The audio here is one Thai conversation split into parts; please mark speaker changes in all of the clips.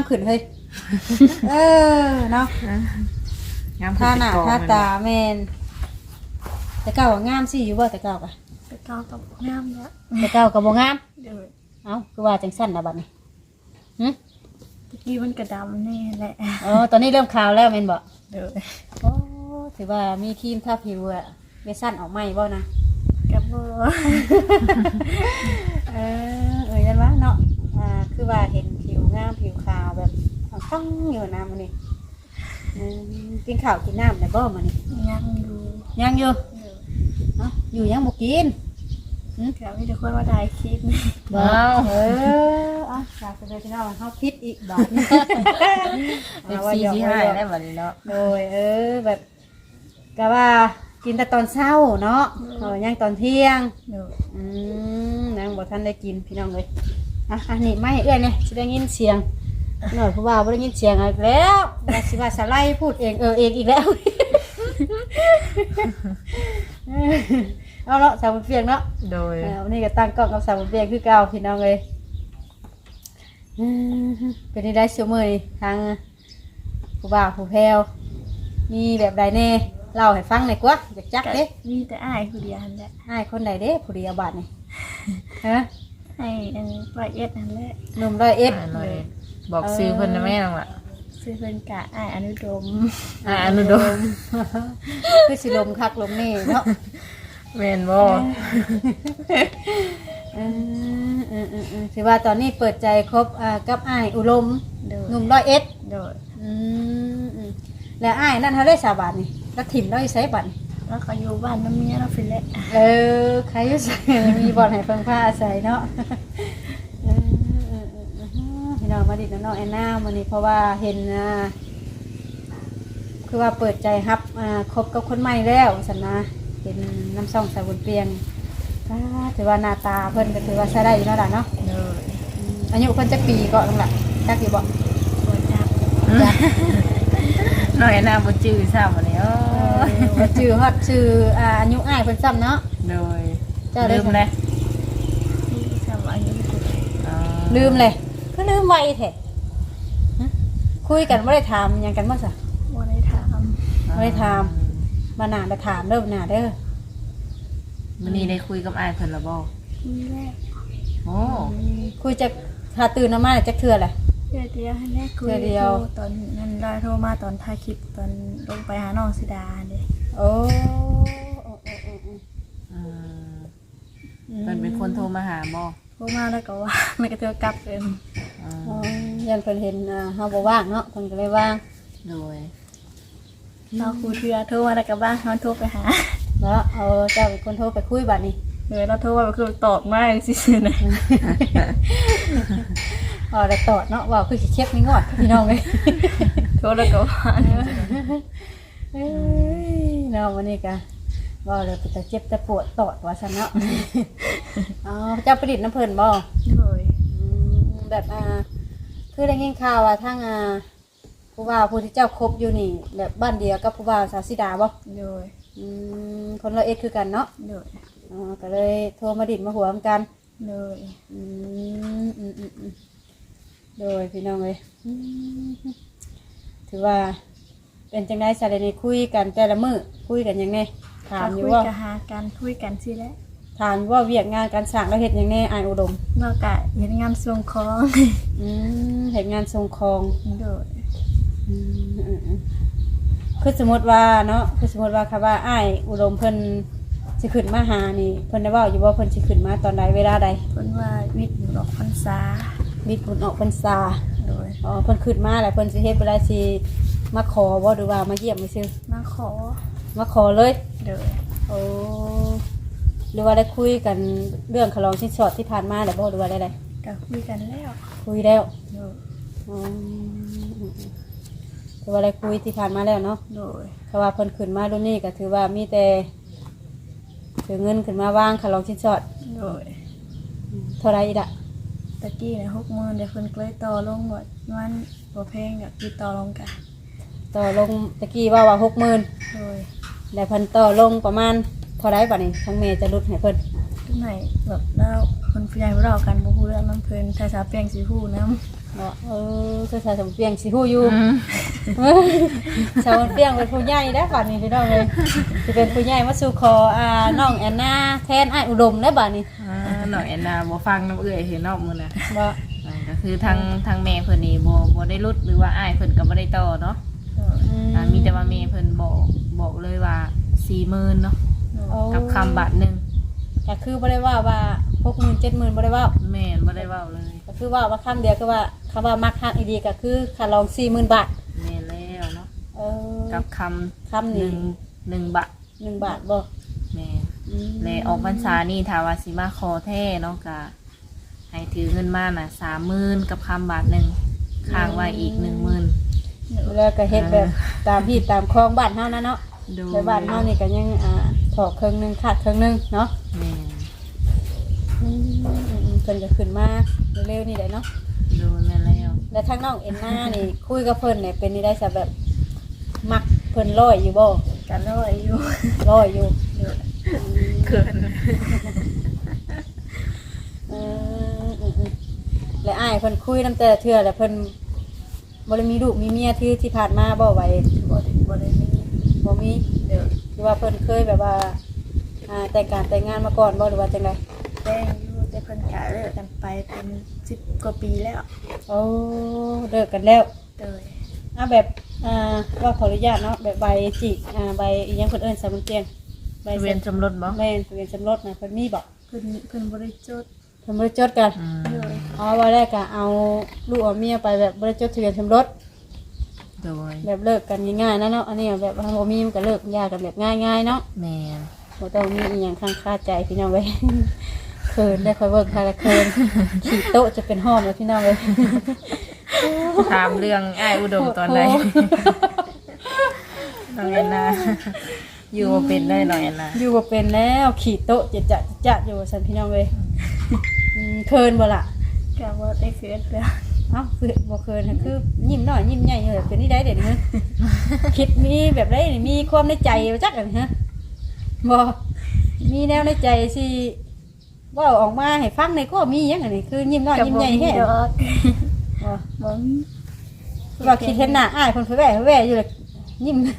Speaker 1: ขึ้นเฮ้ยเนาะ
Speaker 2: งาม
Speaker 1: ท่าหน้าท่าตาแม่นแต่เก่าก็งามสิอยู่บ่แต่เก่าก็
Speaker 3: แต่เก้ากับงามแล้ว
Speaker 1: แต่เก่าก็บ่งาม
Speaker 3: เดี๋ยว
Speaker 1: เอ้าคือว่าจังซั่นน่ะบัดนี้หึ
Speaker 3: ตะกี้มันกระดำแน่แหละ
Speaker 1: ตอนนี้เริ่มขาวแล้วแม่นบ่
Speaker 3: เดี๋ยว
Speaker 1: โอ้ถือว่ามีครีมทาผิวอะเวสั้นออกใหม่บ่นะ
Speaker 3: กับโบ
Speaker 1: ยันวะเนาะคือว่าเห็นผิวงามผิวขาวแบบต้องอยู่นะมันนี่กินข้าวกินน้ำได้บ่มันนี่
Speaker 3: ยังดู
Speaker 1: ยังอยู่
Speaker 3: เดี๋ยว
Speaker 1: เนาะอยู่ยังบ่กิน
Speaker 3: แถวนี้เดี๋ยวคนว่าได้คลิปนี่
Speaker 1: บ่อยากจะไปที่นั่นเฮาพิษอีกบาท
Speaker 2: เป็นซีที่ให้ได้บัดนี้เนาะ
Speaker 1: โดยแบบก็ว่ากินแต่ตอนเช้าเนาะยังตอนเที่ยง
Speaker 3: เดี๋ยวน
Speaker 1: างบอกท่านได้กินพี่น้องเลยอันนี้ไม่เอื้อยเนี่ยจะได้ยินเสียงหน่อยเพราะว่าไม่ได้ยินเสียงอีกแล้วว่าสิว่าสไลด์พูดเองเองอีกแล้วเอาเนาะสาวบุญเฟียงเนาะ
Speaker 2: โดย
Speaker 1: วันนี้ก็ตั้งกล้องกับสาวบุญเฟียงคือเก่าพี่น้องเลยเป็นได้ชั่วโมงนี่ทางผู้บ่าวผู้แพรวมีแบบใดแน่เล่าให้ฟังหน่อยกว่าอยากจักเด้
Speaker 3: มีแต่อ้ายผู้เดียวนั่นแหละ
Speaker 1: ให้คนใดเด้ผู้เดียวบาทนี่ฮะ
Speaker 3: ให้อันร้อยเอ็ดนั่นแหละ
Speaker 1: หนุ่มร้อยเอ็ด
Speaker 2: บอกซื้อเพิ่นนะแม่น้องล่ะ
Speaker 3: ซื้อเป็นกะอ้ายอนุดม
Speaker 2: อนุดม
Speaker 1: คือสิลมคักลมนี่เนาะ
Speaker 2: แม่นบ่
Speaker 1: ถือว่าตอนนี้เปิดใจคบกับอ้ายอุดม
Speaker 3: เดี๋ยว
Speaker 1: หนุ่มร้อยเอ็ด
Speaker 3: เดี๋ยว
Speaker 1: แล้วอ้ายนั่นเขาได้สาบานนี่แล้วถิ่มเราอีไซบัตนี่
Speaker 3: แล้วก็อยู่บ้านน้ำเมียเราฟินแหละ
Speaker 1: ใครอยู่ใส่มีบอลให้เพิ่งผ้าอาศัยเนาะพี่น้องมาดิดน้องแอนนาวันนี้เพราะว่าเห็นคือว่าเปิดใจครับคบกับคนใหม่แล้วสันนะเป็นน้ำส่องสายบนเปียงถือว่าหน้าตาเพิ่นก็ถือว่าใช้ได้อยู่เนาะล่ะเนาะ
Speaker 3: เดี๋ยว
Speaker 1: อายุเพิ่นจะปีก็ต้องละจักอยู่บ่
Speaker 3: ปวดจับ
Speaker 2: น้องแอนนาบ่จื้อซ้ำบัดนี้
Speaker 1: ชื่อฮอดชื่ออายุอ้ายเพิ่นซ้ำเนาะ
Speaker 2: โดย
Speaker 1: เจ้าได้
Speaker 2: ลืมเลย
Speaker 3: ที่ทำอายุกุด
Speaker 1: ลืมเลยก็ลืมไวแท้คุยกันบ่ได้ถามหยังกันบ่ซะ
Speaker 3: ว่าได้ถาม
Speaker 1: บ่ได้ถามมาหน้าไปถามเด้อหน้าเด้อ
Speaker 2: มื้อนี้ได้คุยกับอ้ายเพิ่นแล้วบ่
Speaker 3: มีแรก
Speaker 2: โอ้
Speaker 1: คุยจะหาตื่นมาจักเทื่อแหละ
Speaker 3: เดียวให้แรกคุย
Speaker 1: เดียว
Speaker 3: ตอนนั้นได้โทรมาตอนถ่ายคลิปตอนลงไปหาน้องสิดาเด้
Speaker 1: โอ้
Speaker 2: อืมเพิ่นเป็นคนโทรมาหาบ่
Speaker 3: โทรมาแล้วก็ว่าแล้วก็เธอกลับเป็น
Speaker 1: ยันเพิ่นเห็นเฮาบ่ว่างเนาะเพิ่นก็เลยว่าง
Speaker 2: โดย
Speaker 3: เราคุยเทือโทรมาแล้วก็บ้างเขาโทรไปหา
Speaker 1: แล้วเอาเจ้าเป็นคนโทรไปคุยบัดนี้
Speaker 3: เดี๋ยวเราโทรมาคือตอบมาอย่างสินะ
Speaker 1: ได้ตอดเนาะว่าคือสิเช็คนี่งอดพี่น้องเอ้ย
Speaker 3: โทรแล้วก็ว่า
Speaker 1: เนาะวันนี้ก็ว่าเลยจะเจ็บจะปวดตอดว่าซั่นเนาะเจ้าประดิษฐ์น้ำเพิ่นบ่
Speaker 3: โดย
Speaker 1: แบบคือได้ยินข่าวว่าทั้งผู้ว่าผู้ที่เจ้าคบอยู่นี่แบบบ้านเดียวกับผู้ว่าสาวสิดาบ่
Speaker 3: โดย
Speaker 1: คนละเอ็ดคือกันเนาะ
Speaker 3: โดย
Speaker 1: ก็เลยโทรมาดิดมาหัวกัน
Speaker 3: โดย
Speaker 1: โดยพี่น้องเลยถือว่าเป็นจังได้สารในคุยกันแต่ละมื้อคุยกันยังไงถามอยู่
Speaker 3: คุย
Speaker 1: ว่า
Speaker 3: กันหากันคุยกันสิแล้ว
Speaker 1: ถามว่าเวียกงานการสร้างแล้วเห็ดยังไงอายอุดม
Speaker 3: เรากะเห็นงานส่งของ
Speaker 1: เห็ดงานทรงคอง
Speaker 3: โดย
Speaker 1: คือสมมติว่าเนาะคือสมมติว่าค่ะว่าอายอุดมเพิ่นสิขึ้นมาหานี่เพิ่นได้เว้าอยู่ว่าเพิ่นสิขึ้นมาตอนใดเวลาใด
Speaker 3: เพิ่นว่าวิทย์อยู่ดอกพรรษา
Speaker 1: มีผลออกพรรษา
Speaker 3: โดย
Speaker 1: เพิ่นขึ้นมาแล้วเพิ่นสิเฮ็ดเวลาสิมาขอบ่หรือว่ามาเยี่ยมซื่อ
Speaker 3: มาขอ
Speaker 1: มาขอเลย
Speaker 3: โดย
Speaker 1: โอ้หรือว่าได้คุยกันเรื่องขลองชิ้นสอดที่ผ่านมาแล้วบ่หรือว่าได้
Speaker 3: ก็คุยกันแล้ว
Speaker 1: คุยแล้ว
Speaker 3: โดย
Speaker 1: ถือว่าได้คุยที่ผ่านมาแล้วเนาะ
Speaker 3: โดย
Speaker 1: เพราะว่าเพิ่นขึ้นมารุ่นนี้ก็ถือว่ามีแต่ถือเงินขึ้นมาวางขลองชิ้นสอด
Speaker 3: โดย
Speaker 1: เท่าไรอีกอะ
Speaker 3: ตะกี้เนี่ย60,000เดี๋ยวเพิ่นก็เลยต่อลงหมดมันบ่แพงกับติดต่อลงกัน
Speaker 1: ต่อลงตะกี้ว่า60,000
Speaker 3: โดย
Speaker 1: แล้วเพิ่นต่อลงประมาณเท่าไรบัดนี้ทั้งแม่จะลดให้เพิ่น
Speaker 3: ทุกไหนแบบแล้วคนผู้ใหญ่เรากันบ่ฮู้เรื่องน้ำเพิ่นถ้าสาวแป้งสิฮู้นำ
Speaker 1: บ่คือสาวสมเปียงสิฮู้อยู่สาวสมเปียงเป็นผู้ใหญ่แล้วบัดนี้พี่น้องเลยสิเป็นผู้ใหญ่มาสู่ขอน้องแอนนาแทนอ้ายอุดมแล้วบัดนี้
Speaker 2: น้องแอนนาบ่ฟังน้ำเอื้อยเห็นนอกมื้อน่ะ
Speaker 1: บ่
Speaker 2: ก็คือทางแม่เพิ่นนี่บ่ได้รุดหรือว่าอ้ายเพิ่นก็บ่ได้ต่อเนาะมีแต่ว่าแม่เพิ่นบอกเลยว่า 40,000 เนาะกับคำบาทนึง
Speaker 1: ก็คือบ่ได้ว่า 60,000 70,000บ่ได้ว่า
Speaker 2: แม่นบ่ได้เว้าเลย
Speaker 1: ก็คือว่าคำเดียวคือว่าคำว่ามักฮักอีดีก็คือค่าลอง 40,000 บาท
Speaker 2: แม่นแล้วเนาะกับคำ
Speaker 1: นี้
Speaker 2: 1บาท
Speaker 1: 1 บาทบ่
Speaker 2: แม่และออกพรรษานี่ถ้าว่าสิมาขอแท้เนาะก็ให้ถือเงินมาน่ะ 30,000 กับคำบาทนึงค้างไว้อีก 10,000
Speaker 1: แล้วก็เฮ็ดแบบตามพี่ตามคลองบ้านเฮานะเนาะในบ้านเฮานี่ก็ยังถอกครึ่งนึงขาดครึ่งนึงเนาะ
Speaker 2: แม่
Speaker 1: เพิ่นก็ขึ้นมาเร็วๆนี่แหละเนาะ
Speaker 2: ดูแม่
Speaker 1: แล้วทางน้องเอ็นนานี่คุยกับเพิ่นเนี่ยเป็นนี่ได้ซะแบบมักเพิ่นร้อยอยู่บ่
Speaker 3: ก็ร้อยอยู่
Speaker 2: เขิน
Speaker 1: และอ้ายเพิ่นคุยนำแต่เทื่อแล้วเพิ่นบ่ได้มีลูกมีเมียที่ผ่านมาบ่ไว้
Speaker 3: บ่ได้มี
Speaker 1: คือว่าเพิ่นเคยแบบว่าแต่งงานมาก่อนบ่หรือว่าจังได๋
Speaker 3: แต่งอยู่แต่เพิ่นก็เลิกกันไปเป็น10 กว่าปีแล้ว
Speaker 1: โอ้เลิกกันแล้วแบบว่าขออนุญาตเนาะแบบใบจิใบอีหยังเพิ่นเอิ้นสมุนเตียง
Speaker 2: ใบทะเบียนสมรสบ่
Speaker 1: แม่นทะเบียนสมรสนะเพิ่นมีบ่
Speaker 3: เพิ่นบ่ได้จด
Speaker 1: กันว่าแรกก็เอาลูกเอาเมียไปแบบบ่ได้จดทะเบียนสมรส
Speaker 2: โดย
Speaker 1: แบบเลิกกันง่ายๆนะเนาะอันนี้แบบบ่มีมันก็เลิกยากกันแบบง่ายๆเนาะ
Speaker 2: แม่
Speaker 1: บ่ต้องมีอีหยังค้างคาใจพี่น้องเว้ยเขินได้ค่อยเบิ่งค่ะละเขินขี่โต๊ะจะเป็นห้อมแล้วพี่น้องเว้ย
Speaker 2: ถามเรื่องอ้ายอุดมตอนใดน้องแอนนาอยู่บ่เป็นได้น้องแอนนา
Speaker 1: อยู่บ่เป็นแล้วขี่โต๊ะจะอยู่ซั่นพี่น้องเว้ยเขินบ่ล่ะ
Speaker 3: ก็บ่ได้เขินแล้ว
Speaker 1: บ่เขินคือยิ้มน้อยยิ้มใหญ่อยู่เป็นนี่ได้เด้นี่คิดมีแบบไดนี่มีความในใจจักอันฮะบ่มีแนวในใจสิว่าออกมาให้ฟังในก็มีอย่างนี้คือยิ้มน้อยยิ้มใหญ่แค่
Speaker 3: บ่
Speaker 1: ว่าคิดเห็นหน้าอ้ายคนแว่อยู่เลยยิ้ม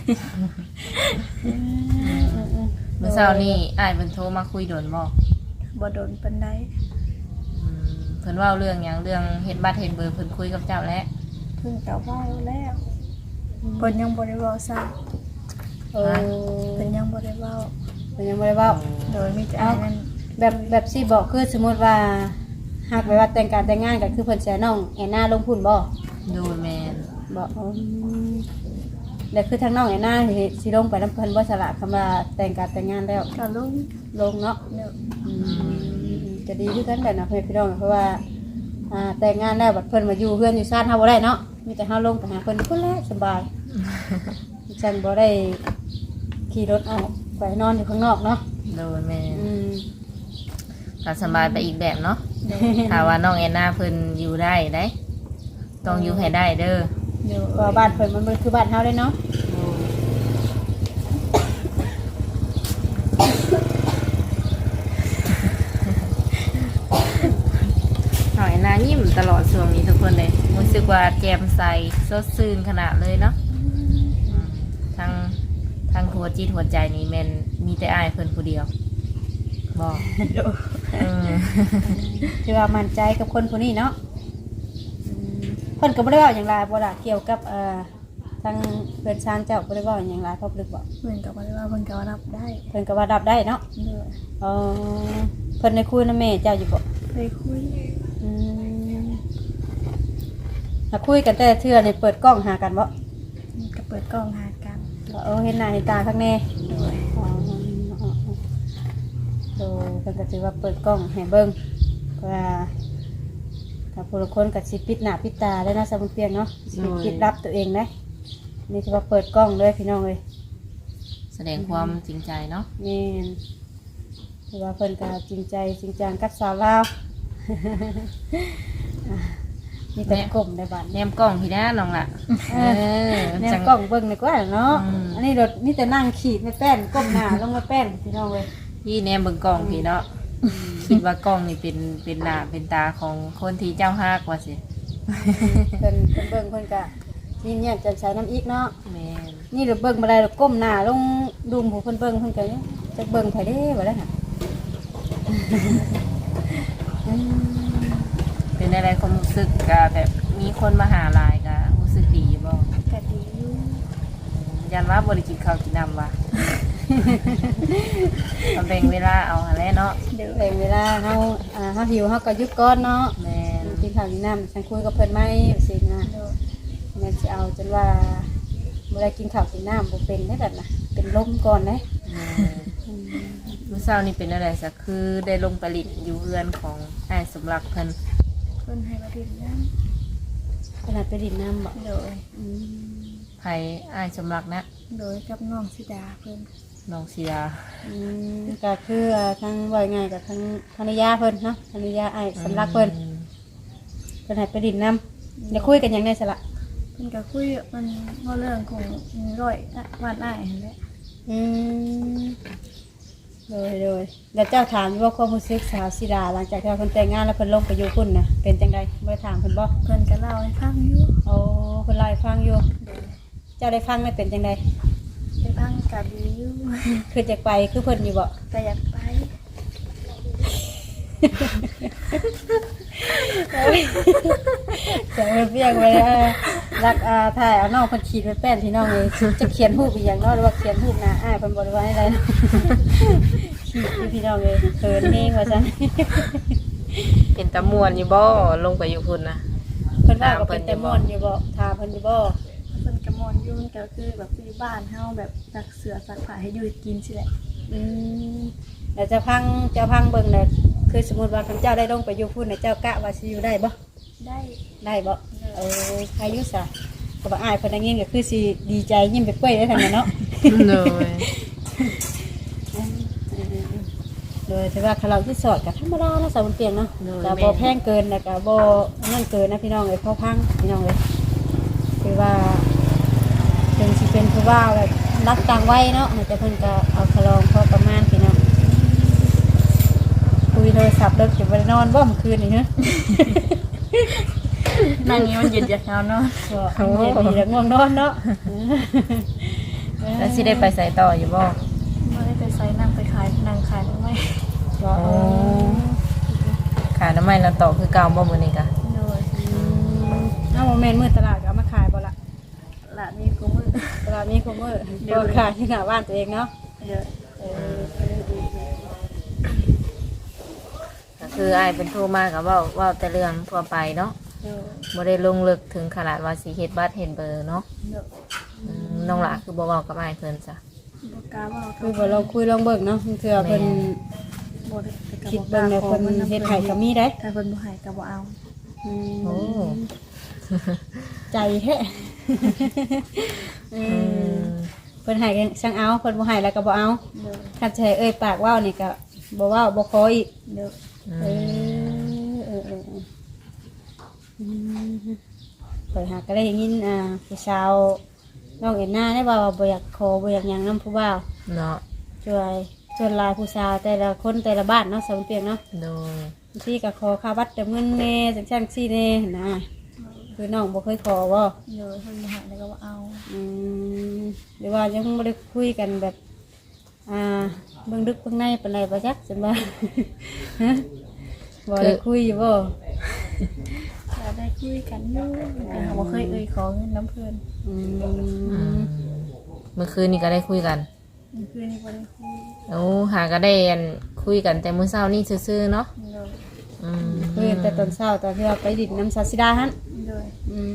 Speaker 2: เมื่อเช้านี้อ้ายเพิ่นโทรมาคุยโดน
Speaker 3: บ่โดนปานใด
Speaker 2: เพิ่นเว้าเรื่องหยังเรื่องเฮ็ดบัตรเฮ็ดเบอร์เพิ่นคุยกับเจ้าแล้ว
Speaker 3: เพิ่นก็เว้าแล้วเพิ่นยังบ่ได้เว้าซ้ำเพิ่นยังบ่ได้เว้าโดยมีแต่อันนั้น
Speaker 1: แบบสิบอกคือสมมติว่าหากไปว่าแต่งการแต่งงานก็คือเพิ่นเสียน้องแอนนาลงพุ่นบ่
Speaker 2: ดูแม่น
Speaker 1: บ่แล้วคือทางน้องแอนนาสิลงไปนำเพิ่นบ่สละคำว่าแต่งการแต่งงานแล้ว
Speaker 3: ก็
Speaker 1: ลงเนาะจะดีคือกันแบบนะพี่น้องเพราะว่าแต่งงานแล้วบัดเพิ่นมาอยู่เฮือนอยู่ซ่านเฮาบ่ได้เนาะมีแต่เฮาลงไปหาเพิ่นพุ่นแหละสบายฉันบ่ได้ขี่รถออกไปนอนอยู่ข้างนอกเนาะ
Speaker 2: โดนแม่ก็สบายไปอีกแบบเนาะถ้าว่าน้องแอนนาเพิ่นอยู่ได้ต้องอยู่ให้ได้เด้อ
Speaker 1: ว่าบ้านเพิ่นมันคือบ้านเฮาได้เนาะ
Speaker 2: น้องแอนนายิ้มตลอดช่วงนี้ทุกคนเลยรู้สึกว่าแจ่มใสสดชื่นขนาดเลยเนาะทั้งหัวจิตหัวใจนี่แม่นมีแต่อ้ายเพิ่นผู้เดียวบอก
Speaker 1: คือว่ามั่นใจกับคนผู้นี้เนาะเพิ่นก็บ่ได้เว้าหยังหลายบ่ล่ะเกี่ยวกับทางเพิ่นชานเจ้าบ่ได้เว้าหยังหลายพอปลึกบ่
Speaker 3: เพิ่นก็บ่ได้ว่าเพิ่นก็รับได้
Speaker 1: เพิ่นก็ว่ารับได้เนาะเพิ่นได้คุยนำแม่เจ้าอยู่บ่
Speaker 3: ได้คุย
Speaker 1: ถ้าคุยกันแต่เทื่อนี่เปิดกล้องหากันบ่
Speaker 3: ก็เปิดกล้องหากัน
Speaker 1: เห็นหน้าเห็นตาข้างในเพิ่นก็ถือว่าเปิดกล้องให้เบิ่งว่าถ้าผู้ละคนก็สิปิดหน้าปิดตาได้นะสมุนเปียงเนาะสิปิดรับตัวเองนะนี่ถือว่าเปิดกล้องเลยพี่น้องเอ้ย
Speaker 2: แสดงความจริงใจเนาะ
Speaker 1: นี่ถือว่าเพิ่นก็จริงใจจริงจังกับสาวลาวมีแต่กลมในบ้าน
Speaker 2: แนมกล้องพี่น้าน้องล่ะ
Speaker 1: แนมกล้องเบิ่งดีกว่าเนาะอันนี้รถมีแต่นั่งขีดในแป้นก้มหน้าลงมาแป้นพี่น้องเว้ย
Speaker 2: พี่แนมเบิ่งกล้องพี่เนาะคิดว่ากล้องนี่เป็นหน้าเป็นตาของคนที่เจ้าฮักว่าสิ
Speaker 1: เพิ่นเบิ่งเพิ่นก็ยิ้มแย้มแจ่มใสน้ำอีกเนาะ
Speaker 2: แม่น
Speaker 1: นี่เราเบิ่งบ่ได้เราก้มหน้าลงดุมผู้เพิ่นเบิ่งเพิ่นก็จะเบิ่งไผเด้บ่ได้ค่ะ
Speaker 2: เป็นอะไรความรู้สึกก็แบบมีคนมาหาหลายก็รู้สึกดีบ่
Speaker 3: ก็ดีอยู่
Speaker 2: ยันว่าบ่ได้กินข้าวกินน้ำว่ะ มาแบ่งเวลาเอาหั่นแหละเนาะ
Speaker 3: เดี๋ยว
Speaker 1: แบ่งเวลาเฮาเฮาหิวเฮาก็หยุดก่อนเนาะ
Speaker 2: แม่น
Speaker 1: กินข้าวกินน้ำฉันคุยกับเพิ่นไหมสินะ
Speaker 3: เดี๋ยว
Speaker 1: แม่นสิเอาจนว่าบ่ได้กินข้าวกินน้ำบ่เป็นได้แบบน่ะเป็นลมก่อนเด้
Speaker 2: มื้อเช้านี่เป็นอะไรซะคือได้ลงไปลินอยู่เรือนของอ้ายสมรักเพิ่น
Speaker 3: เพิ่นให้มาดินน้
Speaker 1: ขนาดไปดินน้ำบ่
Speaker 3: ำโดย
Speaker 2: ไผอ้ายสมรักนะ
Speaker 3: โดยกับน้องสิดาเพิ่น
Speaker 2: น้องเสีย
Speaker 1: ก็คือทั้งว่าง่ายกับทั้งภรรยาเพิ่นเนาะภรรยาไอ้สำลักเพิ่นเพิ่นให้ไปดินน้ำอย่าคุยกันหยังได้สละ
Speaker 3: เพิ่นก็คุยมันว่าเรื่องของร้อยบ้านอ้ายหั่นแหละ
Speaker 1: อืมโดยแล้วเจ้าถามว่าความรู้สึกสาวศิดาหลังจากที่เพิ่นแต่งงานแล้วเพิ่นลงไปอยู่พุ่นน่ะเป็นจังไดบ่ได้ถามเพิ่นบ่
Speaker 3: เพิ่นก็เล่าให้ฟังอยู่
Speaker 1: โอ้เพิ่นเล่าให้ฟังอยู่เจ้าได้ฟังแล้วเป็นจังได
Speaker 3: ไปฟังก็ดีอยู่
Speaker 1: คือจะไปคือเพิ่นอยู่บ่
Speaker 3: ก็อยากไป
Speaker 1: แต่เพิ่นเพียงไว้รักถ่ายเอาน้องเพิ่นขีดไว้แป้นพี่น้องเลยจะเขียนรูปอีหยังเนาะหรือว่าเขียนรูปหน้าอ้ายเพิ่นบ่ได้ว่าให้ได้ขีดอยู่พี่น้องเลยเขินเองว่าซั่น
Speaker 2: เป็นตะมวนอยู่บ่ลงไปอยู่พุ่นน่ะ
Speaker 1: เพิ่นว่าก็เป็นแต่ม่วนอยู่บ่ถามเพิ่นอยู่บ่
Speaker 3: เพิ่นก็มอนอยู่มันก็คือแบบที่บ้านเฮาแบบซักเสื้อซักผ้าให้อยู่กินสิแหละ
Speaker 1: อืมแล้วจะพังเบิ่งน่ะคือสมมุติว่าคันเจ้าได้ลงไปอยู่พุ่นน่ะเจ้ากะว่าสิอยู่ได้บ่
Speaker 3: ได้
Speaker 1: ได้บ่อายุซะก็บ่อายเพิ่นได้ยินก็คือสิดีใจยิ้มไปเปื่อยได้ทั้งนั้นเนาะ
Speaker 2: เลย
Speaker 1: โดยที่ว่าคาราโอเกะสอดกับธรรมดาเนาะสาวบนเตียงเนาะแต่บ่แพงเกินแต่ก็บ่นั่นเกินนะพี่น้องเอ้ยพอพังพี่น้องเอ้ยคือว่าถึงสิเป็นผู้ว่าแบบรักต่างวัยเนาะแต่เพิ่นก็เอาคารองพอประมาณพี่น้องคุยโทรศัพท์เลิกจะบ่ได้นอนบ่เมื่อคืนนี่ฮะ
Speaker 3: นั่งนี้มันเย็นอยากนอนเนาะ
Speaker 1: ก็เย็นดีแล้วง่วงนอนเนาะ
Speaker 2: แล้วสิได้ไปใส่ต่ออยู่บ่
Speaker 3: ไม่ได้ไปไซนั่งไปขายนั่งขายทำไม
Speaker 1: ก็
Speaker 2: โอ้ขาน้ำมันแล้วต่อคือเก่าบ่มื้อนี้กะ
Speaker 3: โดย
Speaker 1: เอาโมเมนต์มืดตลาดก็เอามาขายบ่ล่ะ
Speaker 3: ละนี่กูมือ
Speaker 1: ตลาดนี้ก็มืดก็ขายที่หน้าบ้านตัวเองเนาะ
Speaker 3: เดี๋ยว
Speaker 2: ก็คืออ้ายเป็นโทรมาก็เว้าแต่เรื่องทั่วไปเนาะ
Speaker 3: เดี๋ยว
Speaker 2: บ่ได้ลงลึกถึงขนาดว่าสิเฮ็ดบัตรเฮ็ดเบอร์เนาะ
Speaker 3: เดี๋ยว
Speaker 2: น้องหลาคือบ่เว้ากับอ้ายเพิ่นจ้ะ
Speaker 3: บกล้าว่า
Speaker 1: คือบ่ลองคุยลองเบิ่งเนาะเทื่อเพิ่น
Speaker 3: บได้
Speaker 1: คิดเบิ่งแล้วเพิ่นเฮ็ดให้ก็มีได้
Speaker 3: ถ้าเพิ่นบ่ให้ก็บ่เอา
Speaker 2: โอ้
Speaker 1: ใจแท้เพิ่นให้กันช่างเอาเพิ่นบ่ให้แล้วก็บ่เอา
Speaker 3: เดี๋ยว
Speaker 1: คันสิให้เอ้ยปากเว้านี่ก็บ่เว้าบ่ขออีก
Speaker 3: เดี๋ยว
Speaker 1: เอเปิดหาก็ได้ยินผู้สาวน้องเอ็นหน้าได้ว่าบ่อยากขอบ่อยากหยังนำผู้บ่าว
Speaker 2: เนาะ
Speaker 1: ช่วยชวนลายผู้สาวแต่ละคนแต่ละบ้านเนาะสาวเปียงเนาะ
Speaker 2: โดย
Speaker 1: บางทีก็ขอค่าวัดเติมเงินแน่จังซั่นซี่แน่นะคือน้องบ่เคยขอบ่
Speaker 3: เดี๋ยวเพิ่นบ่ให้แล้วก็บ่เอา
Speaker 1: หรือว่ายังบ่ได้คุยกันแบบเบิ่งดึกเบิ่งในปานใดบ่จักจังว่า ฮะบ่ได้คุยอยู่บ่
Speaker 3: เราได้คุยกันอยู่แต่เราบ่เคยขอเงินน้ำเพิ่น
Speaker 2: เมื่อคืนนี้ก็ได้คุยกัน
Speaker 3: คืนนี้บ่ได้คุย
Speaker 2: โอ้หาก็ได้อันคุยกันแต่มื้อเช้านี่ซื่อๆเนาะ
Speaker 3: เดี๋ยว
Speaker 1: คุยแต่ตอนเช้าตอนที่เราไปดินน้ำซาซิดาหั่น
Speaker 3: เดี๋ยว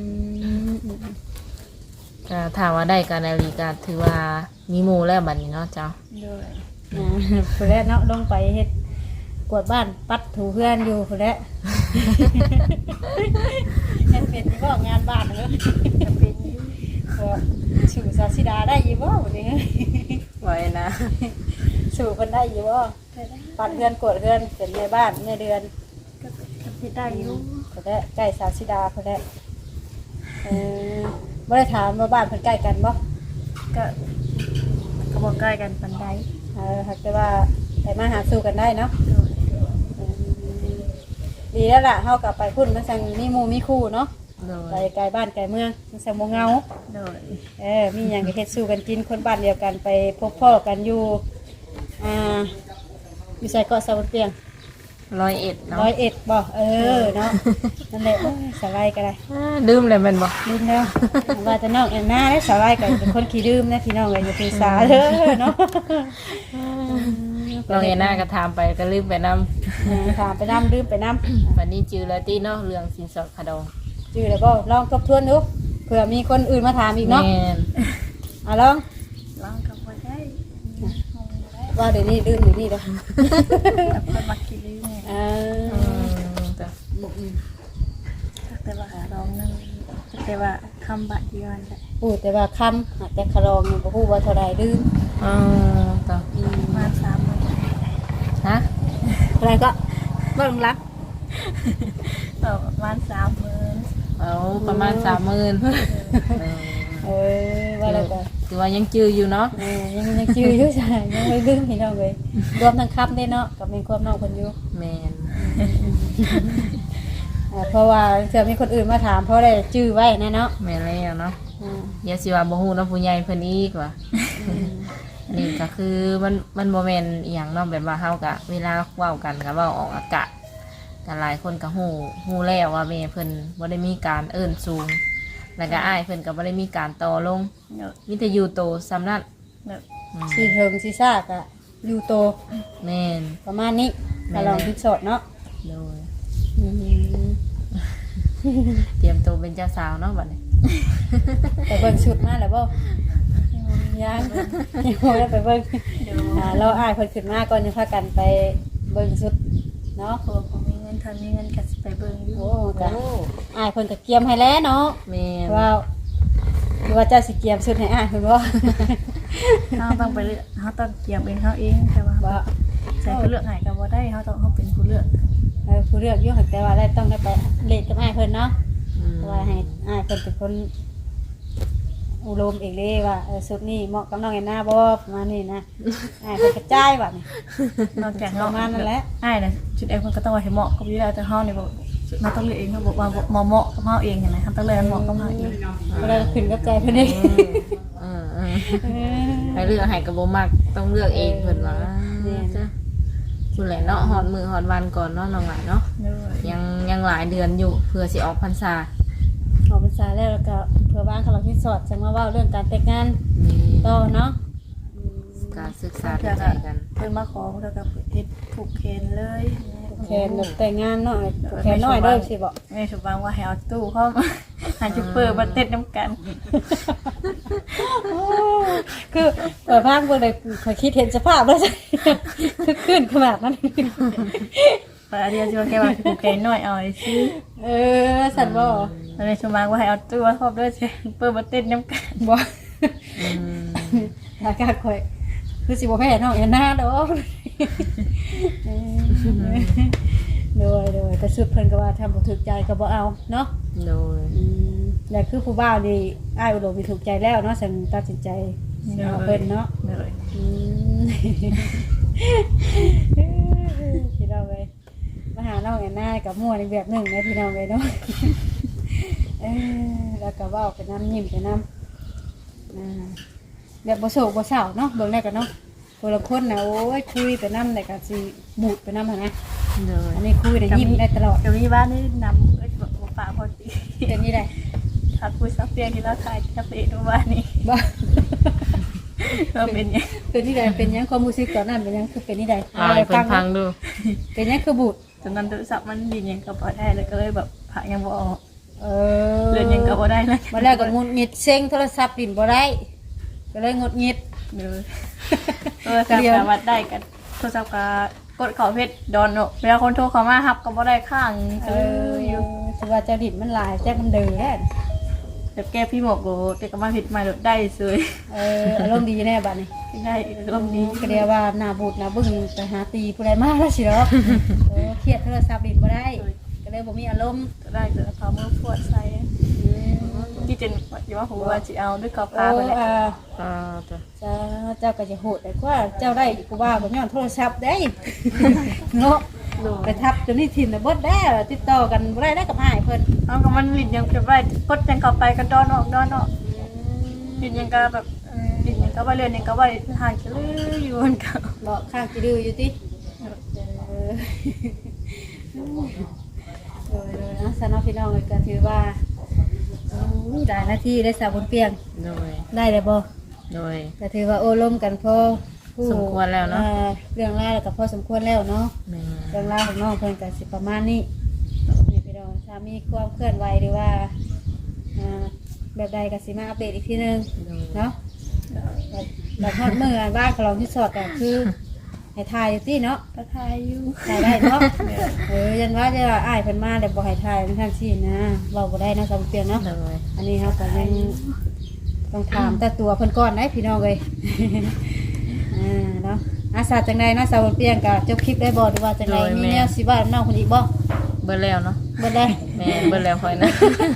Speaker 2: ก็ถามว่าได้การนาฬิกาถือว่ามีหมู่แล้วบัดนี้เนาะเจ้า
Speaker 3: เดี๋ยว
Speaker 1: ผู้แรกเนาะลงไปเฮ็ดกวาดบ้านปัดถูเพื่อนอยู่ผู้แรกเฮ็ดเป็นที่บ่งานบ้านเนาะ
Speaker 3: จะเป็นอยู่
Speaker 1: ก็สู่ซาซิดาได้อยู่บ่วันนี้
Speaker 2: ไว้นะ
Speaker 1: สู่เพิ่นได้อยู่บ่
Speaker 3: แต่ได้
Speaker 1: ปัดเพื่อนกวดเพื่อนเป็นในบ้านในเดือน
Speaker 3: ก็สิได้อยู่
Speaker 1: ผู้แรกใกล้ซาซิดาผู้แรกบ่ได้ถามว่าบ้านเพิ่นใกล้กันบ่
Speaker 3: ก็บ่ใกล้กันปานใด
Speaker 1: หากแต่ว่าแต่มาหาสู่กันได้เนาะ
Speaker 3: เดี๋ยว
Speaker 1: ดีแล้วล่ะเฮากลับไปพุ่นมันสั่งมีหมู่มีคู่เนาะไปไกลบ้านไกลเมืองมันสังบ่เหงา
Speaker 3: โดย
Speaker 1: มีหยังก็เฮ็ดสู้กันกินคนบ้านเดียวกันไปพบพ่อกันอยู่อยู่ใส่เกาะสะบนเปียง
Speaker 2: 101เนาะ
Speaker 1: 101บ่เนาะนั่นแหละโอ้ยสบายก็ได้
Speaker 2: ดื่มเลยแม่นบ่
Speaker 1: ลืมแล้วว่าแต่น้องแอนนาได้สบายก็เป็นคนขี้ดื่มนะพี่น้องเอ้ยอย่าถือสาเด้อเนาะ
Speaker 2: น้องเอน่าก็ถามไปก็ลืมไปนำ
Speaker 1: ถามไปน้ำดื่มไปน้ำ
Speaker 2: วันนี้จือแล้วติเนาะเรื่องสินสอดขาดอง
Speaker 1: จื้อแล้วบ่ลองทบทวนดูเผื่อมีคนอื่นมาถามอีกเนาะ
Speaker 2: แม่น
Speaker 1: ลอง
Speaker 3: ลองกับบ่ได้ห้องบ่ได้
Speaker 1: ว่าเดี๋ยวนี้ดื่มอยู่นี่เด้อ
Speaker 3: แต่คนมักกินเลย
Speaker 2: จ้ะ
Speaker 3: แต่ว่าลองนึงแต่ว่าคำบาดเดียวนั่นแหละ
Speaker 1: พูดแต่ว่าคำหากแต่คารองนี่บ่ฮู้ว่าเท่าใดดื่ม
Speaker 2: จ้ะ
Speaker 3: ประมาณ3มื้อ
Speaker 2: ฮะ
Speaker 1: อะไรก็เบิ่งลัก
Speaker 3: ประมาณ3มื้อ
Speaker 2: เอาประมาณ 30,000
Speaker 1: ว่าแล้วก็
Speaker 2: ถือว่ายังจืออยู่เนาะ
Speaker 1: ยังจื้ออยู่ใช่ยังไม่ลืมพี่น้องเลยรวมทั้งคำได้เนาะกับมีความน้องเพิ่นอยู่
Speaker 2: แม่น
Speaker 1: เพราะว่าเผื่อมีคนอื่นมาถามเพราะได้จื้อไว้แน่เนาะ
Speaker 2: แม่นแล้วเนาะอย่าสิว่าบ่ฮู้เนาะผู้ใหญ่เพิ่นอีกว่านี่ก็คือมันบ่แม่นอีหยังเนาะแบบว่าเฮาก็เวลาเว้ากันก็เว้าออกอากาศกันหลายคนก็ฮู้แล้วว่าแม่เพิ่นบ่ได้มีการเอิ้นสูงแล้วก็อ้ายเพิ่นก็บ่ได้มีการต่อลง
Speaker 3: เนอะ
Speaker 2: มีแต่อยู่โตซ้ำนั้น
Speaker 3: เนอะ
Speaker 1: สีเทิงสีซากอะอยู่โต
Speaker 2: แม่น
Speaker 1: ประมาณนี้กระลองพิกสดเนาะ
Speaker 2: โดยเตรียมตัวเป็นเจ้าสาวเนาะบัดนี้
Speaker 1: ไปเบิ่งชุดมาแล้วบ่ยังบ่ได้ไปเบิ่งเราอ้ายเพิ่นขึ้นมาก่อนจะพากันไปเบิ่งชุดเนาะ
Speaker 3: เพราะว่าผมมีเงินทันมีเงินก็สิไปเบิ่งอยู่
Speaker 1: โอ้กะอ้ายเพิ่นก็เกียมให้แล้วเนาะ
Speaker 2: แม่น
Speaker 1: ว่าคือว่าเจ้าสิเกียมชุดให้อ้ายเพิ่นบ่
Speaker 3: เฮาต้องไปเลือกเฮาต้องเกี่ยวเองเฮาเองแต่ว่า
Speaker 1: บ่
Speaker 3: ใส่ผู้เลือกให้ก็บ่ได้เฮาต้องเฮาเป็นผู้เลือก
Speaker 1: ผู้เลือกอยู่แต่ว่าได้ต้องได้ไปเล่นกับอ้ายเพิ่นเนาะ
Speaker 2: อืม
Speaker 1: เพราะว่าให้อ้ายเพิ่นเป็นคนอุรมเองเลยว่าชุดนี้เหมาะกับน้องแอนนาบ่ประมาณนี้นะอ้ายเพิ่นกระจายบัดนี้
Speaker 3: นอกจาก
Speaker 1: ป
Speaker 3: เฮา
Speaker 1: ระมาณนั้นแหละ
Speaker 3: อ้ายน่ะชุดเองมันก็ต้องว่าให้เหมาะกับอยู่แล้วแต่เฮานี่บ่เราต้องเลือกเองเฮาบอกว่าเหมาะกับเฮาเองใช่ไหมเฮาต้องเลือกให้เหมาะกับเฮาเอง
Speaker 1: ก็เลยขึ้นกับใจเพิ่นเอง
Speaker 2: ให้เลือกให้ก็บ่มักต้องเลือกเองเพิ่นว่าจ้ะคุณแหละเนาะฮอดมื้อฮอดวันก่อนเนาะน้องหลานเนาะ
Speaker 3: เด้อ
Speaker 2: ยังหลายเดือนอยู่เพื่อสิออกพรรษา
Speaker 1: ออกพรรษาแล้วก็เพื่อบ้านเขาเราที่สอดจังมาเว้าเรื่องการแต่งงาน
Speaker 2: มี
Speaker 1: ต่อเนาะ
Speaker 2: การศึกษาดูใจกัน
Speaker 3: เพิ่นมาขอแล้วก็เฮ็ดผูกแขนเลย
Speaker 1: แขนแบบแต่งงานเนาะแขนน้อยเด้อสิบ่
Speaker 3: แม่สุบังว่าให้เอาตู้เข้ามาหาจุเปอร์มาเต้นน้ำกัน
Speaker 1: คือเปิดภาคเบิ่งได้ขอยคิดเห็นสภาพแล้วคือขึ้นขนาดนั้น
Speaker 3: เปิดเดียวจะแค่ว่าผูกแขนน้อยเอาไอ้ซื้อ
Speaker 1: สั่นบ่
Speaker 3: แม่สุบังว่าให้เอาตู้เข้าด้วยใช่เปอร์มาเต้นน้ำกัน
Speaker 1: บ่
Speaker 2: อืม
Speaker 1: อากาศข่อยคือสิบ่แพ้น้องแอนนาดอกโดยแต่สุดเพิ่นก็ว่าทำบ่ถูกใจก็บ่เอาเนาะ
Speaker 2: โดย
Speaker 1: แล้วคือผู้บ่าวนี่อ้ายอุดมมีถูกใจแล้วเนาะฉันตัดสินใจเอาเพิ่นเนาะ
Speaker 3: เลย
Speaker 1: พี่น้องเลยมาหาน้องแอนนากับมั่วในแบบหนึ่งนะพี่น้องเลยเนาะแล้วก็เว้าไปน้ำยิ้มไปน้ำแบบบ่โศกบ่เศร้าเนาะเบิ่งได้กันเนาะคนละคนนะโอ้ยคุยไปน้ำแต่ก็สิบูดไปน้ำหั่นนะ
Speaker 2: โดย
Speaker 1: อันนี้คุยได้ยิ้มได้ตลอด
Speaker 3: เดี๋ยวมีบ้านนี่นำบอกป่าพอดี
Speaker 1: เป็นนี่ได้
Speaker 3: ถ้าคุยซับเปียที่เราถ่ายจะไปดูบ้านนี้
Speaker 1: บ่
Speaker 3: เราเป็นยัง
Speaker 1: เป็นนี่ได้เป็นยังความรู้สึกตอนนั้นเป็นยังคือเป็นนี่ได้
Speaker 2: เอาให้เพิ่นฟังดู
Speaker 1: เป็นยังคือบูด
Speaker 3: จนนั้นโทรศัพท์มันยินยังกับพอได้เลยก็เลยแบบผ่ายังบ่ออก
Speaker 1: เอ
Speaker 3: เรือนยังกับพอได้เลย
Speaker 1: มาแล้วก็งุดหงิดเซ็งโทรศัพท์ดินบ่ได้ก็เลยงุดหงิด
Speaker 3: เดี๋ยวโทรศัพท์สามารถได้กันโทรศัพท์กดขอเพชรดอนเนอะเวลาคนโทรเข้ามาฮับก็บ่ได้ข้างอยู่
Speaker 1: ถือว่าเจ้าดินมันหลายแจ้งมันเดือดแล้ว
Speaker 3: แบบแก้พี่หมกโกแต่ก็มาผิดมาได้สวย
Speaker 1: อารมณ์ดีแน่บัดนี้
Speaker 3: ได้ลมนี้
Speaker 1: ก็เรียกว่าหน้าบูดหน้าบึ้งไปหาตีผู้ใดมาแล้วสิเนาะเครียดโทรศัพท์ดินบ่ได้ก็เลยบ่มีอารมณ์
Speaker 3: ได้เกิดพามือปวดใส่ที่เจนอยู่ว่าผมว่าจะเอาด้วยกาแฟไปแล้ว
Speaker 2: จ้ะ
Speaker 1: เจ้าก็จะโหดแต่ว่าเจ้าได้กูว่าบ่ย้อนโทรศัพท์ได้เนาะไปทับจนนี่ถิ่มน่ะเบิดแล้วติดต่อกันบ่ได้กับอ้ายเพิ่น
Speaker 3: เอาก็มันลิ้นยังจะไว้กดยังเข้าไปก็ดอนออกลิ้นยังก็แบบลิ้นยังก็ว่าเรือนยังก็ว่าห่างกันเลยอยู่มันก็
Speaker 1: บ่ข้างกี่ดื้ออยู่ติเลยนะสนอพี่น้องก็ถือว่าได้หน้าที่ได้สาวบนเปียง
Speaker 2: โดย
Speaker 1: ได้เลยบ่
Speaker 2: โดย
Speaker 1: ก็ถือว่าโอ้ล้มกันพอ
Speaker 2: สมควรแล้วเนาะ
Speaker 1: เรื่องราวแล้วก็พอสมควรแล้วเนาะ
Speaker 2: แม่
Speaker 1: เรื่องราวของน้องเพิ่นก็สิประมาณนี้นี่พี่น้องถ้ามีความเคลื่อนไหวหรือว่าแบบใดก็สิมาอัปเดตอีกทีนึง
Speaker 2: โดย
Speaker 1: เนาะแบบฮอดมื้ออันบ้านของเราที่สอดก็คือให้ทายอยู่ติเนาะ
Speaker 3: ก็ทายอยู่
Speaker 1: ถ่ายได้เนาะยันว่าจะอ้ายเพิ่นมาแต่บ่ให้ถ่ายมันทันสินะเว้าบ่ได้เนาะสำเปียงเนาะ
Speaker 2: โดย
Speaker 1: อันนี้เฮาก็ยังต้องถามแต่ตัวเพิ่นก่อนได้พี่น้องเอ้ย เนาะอาสาจังไดเนาะสาวเปียงก็จบคลิปได้บ่หรือว่าจังไดมีแนวสิว่าน้องคนอีกบ่
Speaker 2: เบิ่แล้วเนาะ
Speaker 1: บ่ได้
Speaker 2: แม่เบิ่แล้วค่อยนะ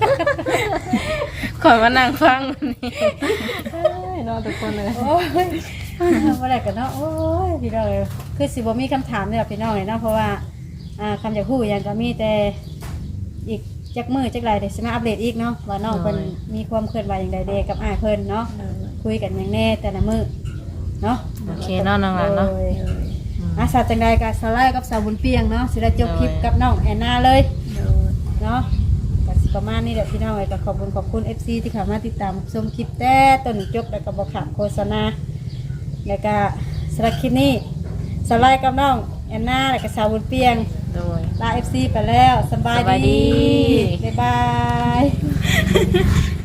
Speaker 2: ค่อยมานั่งฟังนี่เนาะทุกคนเลย
Speaker 1: โอ้ยบ่ได้กันเนาะโอ้ยพี่น้องเอ้ยคือสิบ่มีคำถามเลยพี่น้องเอ้ยเนาะเพราะว่าคำอยากฮู้หยังก็มีแต่อีกจักมื้อจักหลายเดี๋ยวสิมาอัปเดตอีกเนาะว่าน้องเพิ่นมีความเคลื่อนไหวอย่างใดเด้กับอ้ายเพิ่นเนาะคุยกันอย่างแน่แต่ละมื้อเนาะ
Speaker 2: โอเคเนาะน้องหลานเนาะ
Speaker 1: อาสาจังใดกับสาวไล่กับสาวบุญเปียงเนาะสิได้จบคลิปกับน้องแอนนาเลยเนาะก็สิประมาณนี้แหละพี่น้องเอ้ยก็ขอบคุณ FC ที่เข้ามาติดตามชมคลิปแต่ต้นจบแล้วก็บ่ขาดโฆษณาแล้วก็สำหรับคลิปนี้สาวไล่กับน้องแอนนาแล้วก็สาวบุญเปียง
Speaker 2: โดย
Speaker 1: ลา FC ไปแล้วสบาย
Speaker 2: สบายดี
Speaker 1: บ๊ายบาย